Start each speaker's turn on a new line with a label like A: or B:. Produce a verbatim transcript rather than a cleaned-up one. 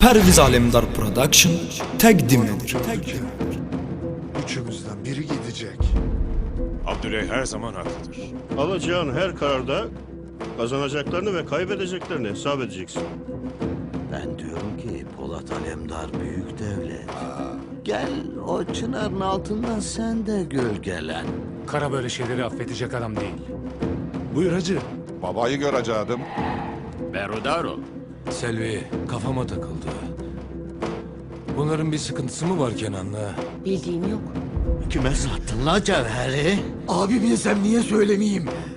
A: Perviz Alemdar Production təqdim edir.
B: Üçümüzden biri gidecek.
C: Abdüley her zaman haklıdır.
D: Alacağın her kararda kazanacaklarını ve kaybedeceklerini hesap edeceksin.
E: Ben diyorum ki Polat Alemdar büyük devlet. Gel o çınarın altından sen de gölgelen.
F: Kara böyle şeyleri affedecek adam değil.
C: Buyur hacı.
B: Babayı göreceğim.
G: Berudaro.
H: Selvi, kafama takıldı. Bunların bir sıkıntısı mı var Kenan'la?
I: Bildiğim yok.
E: Kime sattın la cevheri?
H: Abi bilsem niye söylemeyeyim?